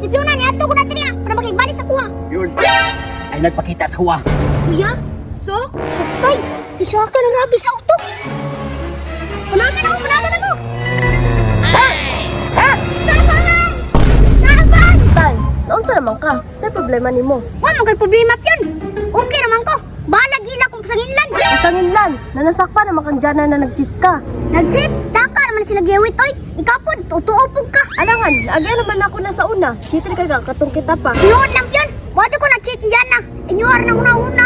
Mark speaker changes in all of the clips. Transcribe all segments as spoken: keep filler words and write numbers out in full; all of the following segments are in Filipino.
Speaker 1: Si Fiona ni ato ko na tiniya para makigbalik sa kuha.
Speaker 2: Yun. Ay nagpakita sa kuha.
Speaker 1: Kuya? Sok? Tay, isa ka na rabi sa utok. Panagan ako, panagan ako. Ha? Ha? Saban! Saban!
Speaker 3: Tan, naunsa naman ka? Sa problema nimo?
Speaker 1: Wala mo kay problema yun. Okay naman ko. Bahala gila kung sanginlan.
Speaker 3: Isangin lan, nanasakpan naman kang dyan na nag-cheat ka.
Speaker 1: Nag-cheat? Taka naman sila giwit, oy. Ikaw po, tutuopog ka.
Speaker 3: Alangan, agay naman ako na sa una. Cheater ka ka, katong kita pa.
Speaker 1: Noon lang yun. Wado ko na-cheat yan na. Inyuhar na una-una.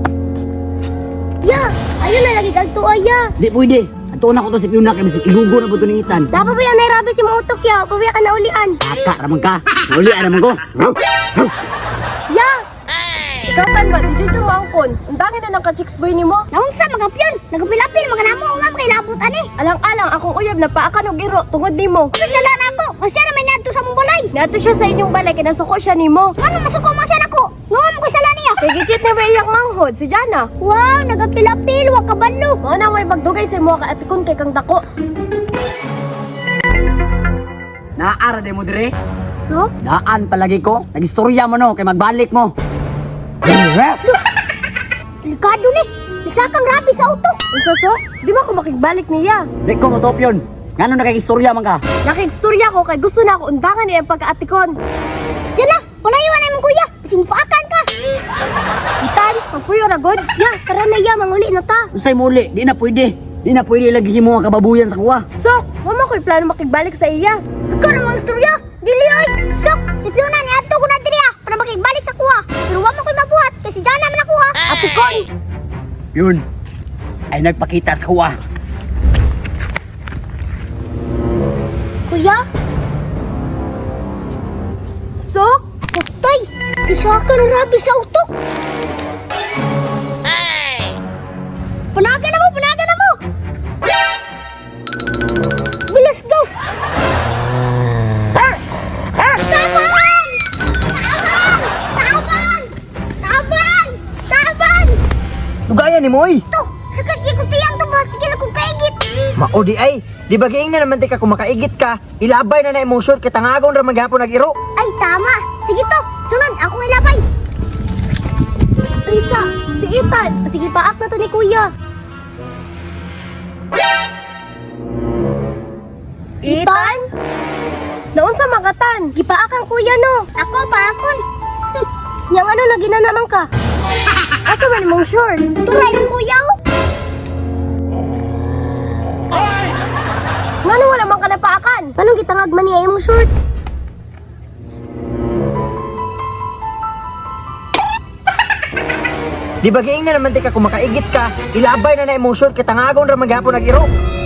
Speaker 1: Ya, ayun na lagi kagto ya.
Speaker 2: Di pwede. Ato na ko to si Fiona kay bisig ilugo na po to ni Itan.
Speaker 1: Dapat ba yan nairabi si mga utok ya? Pabiya ka na ulian.
Speaker 2: Aka raman ka. Uli naman ko.
Speaker 3: Ya! Ikaw tan ba, di dyan yung maangkon. Ang dangin na ng ka-chicks boy nimo.
Speaker 1: Naunsa mga pyon. Nagapilapil mga namo. Umam kay labot ani.
Speaker 3: Alang-alang akong uyab na paakan og iro tungod nimo.
Speaker 1: Sala na ako. Masya na may nadto sa mong balay.
Speaker 3: Nato siya sa inyong balay, kinasuko siya nimo.
Speaker 1: Ano masuko mo siya nako? Ngawam ko sala niya.
Speaker 3: Kay gichit ni iyang manghod, si Jana.
Speaker 1: Wow, nagapilapil. Wa kabalo.
Speaker 3: Mao na may magdugay sa mo ka atikon kay kang dako.
Speaker 2: Naara de mo dire.
Speaker 3: So?
Speaker 2: Daan palagi ko. Nagistorya mo no kay magbalik mo.
Speaker 1: Delikado ni. Isa kang rabi sa utok.
Speaker 3: Unsa so? Di ba ko makigbalik niya?
Speaker 2: Di ko matop yun. Ngano nakigistorya man ka?
Speaker 3: Nakigstorya ko kay gusto na ako undangan niya ang pagkaatikon.
Speaker 1: Diyan na. Palayawan na mong kuya. Kasi mupaakan ka.
Speaker 3: Itan, magpuyo ra god.
Speaker 1: Ya, tara na ya. Manguli na ta.
Speaker 2: Usay muli, di na pwede. Di na pwede lagi mo nga kababuyan sa kuha.
Speaker 3: So, wala ko'y plano makigbalik sa iya.
Speaker 1: Ikaw na mga istorya. Dili oy. Sok, si Fiona ni ato ko na diriya para makigbalik sa kuha. Pero wa mo ko'y mabuhat kasi diyan naman ako ha.
Speaker 3: Atikon!
Speaker 2: Yun. Ay nagpakita sa kuha.
Speaker 1: Kuya?
Speaker 3: So,
Speaker 1: Tay, isa ka na rabi sa utok. Panagan na mo, panagan na mo. Well, let's go. Taban! Taban! Taban! Taban!
Speaker 4: Lugayan ni Moy.
Speaker 1: To, sakit yung kutiyang to ba? Sige na kong kaigit.
Speaker 4: Mao di ay, di ba giing na naman tika kung makaigit ka, ilabay na na imong short katangagon ra maghapon nag-iro.
Speaker 1: Ay, tama. Sige to, sunod, akong ilabay.
Speaker 3: Risa, si Itan.
Speaker 1: Sige, paak na to ni kuya.
Speaker 3: Itan? Naunsa magatan?
Speaker 1: Gipaak ang kuya no. Ako, paakon. Yang ano, lagi na naman ka.
Speaker 3: Asa man imong short?
Speaker 1: Turay ng kuya oh.
Speaker 3: Ngano wala man ka napaakan?
Speaker 1: Anong gitangag man niya imong short?
Speaker 4: Di ba giing na naman tika kung makaigit ka, ilabay na na imong short katangagon ra maghapon nag-iro.